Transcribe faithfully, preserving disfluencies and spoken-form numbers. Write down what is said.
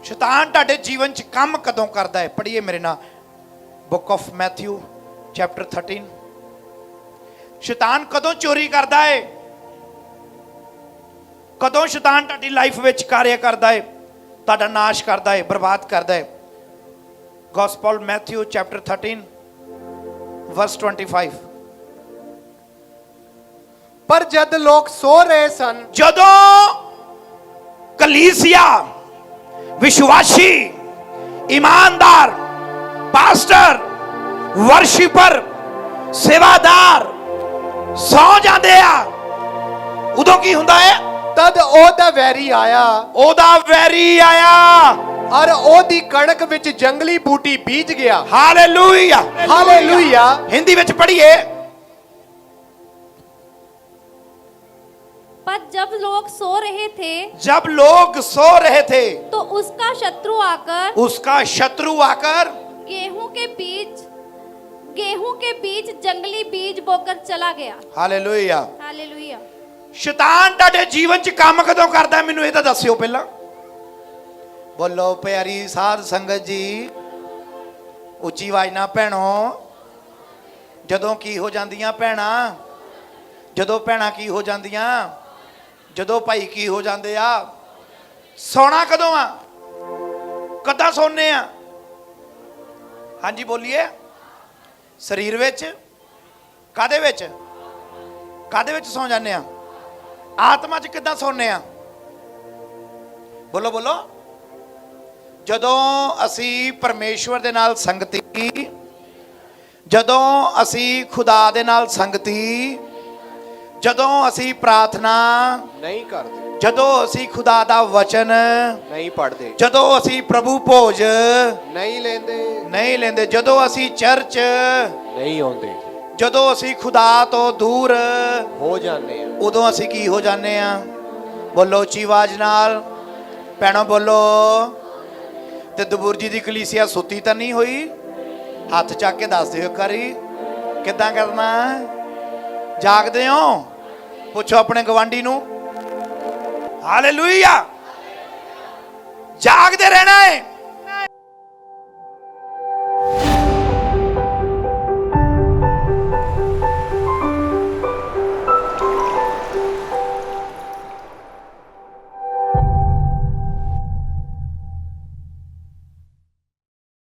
शैतान तुहाडे जीवन च काम कदों करदा है? पढ़िए मेरे नाल book of Matthew chapter thirteen. शैतान कदों चोरी करदा है? कदों शैतान तुहाडी लाइफ विच कार्य करदा है, तुहाडा नाश करदा है, बर्बाद करदा है? Gospel Matthew chapter thirteen verse twenty five. पर जद लोग सो रहे सन, जदों कलीसिया विश्वासी ईमानदार पास्टर वर्शिपर सेवादार सौ जाते आ, उदों की हुंदा है? तद ओदा वैरी आया ओदा वैरी आया और ओदी कणक विच जंगली बूटी बीज गया। Hallelujah hallelujah. हिंदी विच पढ़िए। पर जब लोग सो रहे थे, जब लोग सो रहे थे तो उसका शत्रु आकर उसका शत्रु आकर गेहूं के बीज गेहूं के बीज जंगली बीज बोकर चला गया। हालेलुया। हालेलुया। शैतान तुहाडे जीवन च काम कदों करदा है? मैनूं इह तां दस्सिओ पहला। बोलो प्यारी साध संगत जी, उच्ची आवाज़ नाल भैणो। जदों की हो जांदियां भैणां, जदों भैणां की हो जांदियां, जदों भाई की हो जांदे आ, सौना कदों आ? कदां सौने आ? हाँ जी बोलिए। शरीर विच? कादे विच? कादे विच सौ जाने आ? आत्मा च किदां सौने आ? बोलो बोलो। जदों असी परमेश्वर दे नाल संगति, जदों असी खुदा दे नाल संगति, जदों असी प्रार्थना नहीं करते, जदों असी खुदा दा वचन नहीं पढ़ते, जदों असी प्रभु भोज नहीं लेंदे, नहीं लेंदे, जदों असी चर्च नहीं आउंदे, जदों असी खुदा तो दूर हो जाने आ। उदों असी की हो जाने आ? बोलो उच्ची आवाज़ नाल भैणो बोलो। ते दबूर जी दी कलीसिया सुती तां नहीं होई? हथ चक के दस दिओ करी किदां करना? जागदे हो? पुछो अपने गवांडी नूं। हालेलुया। जागदे रहना है।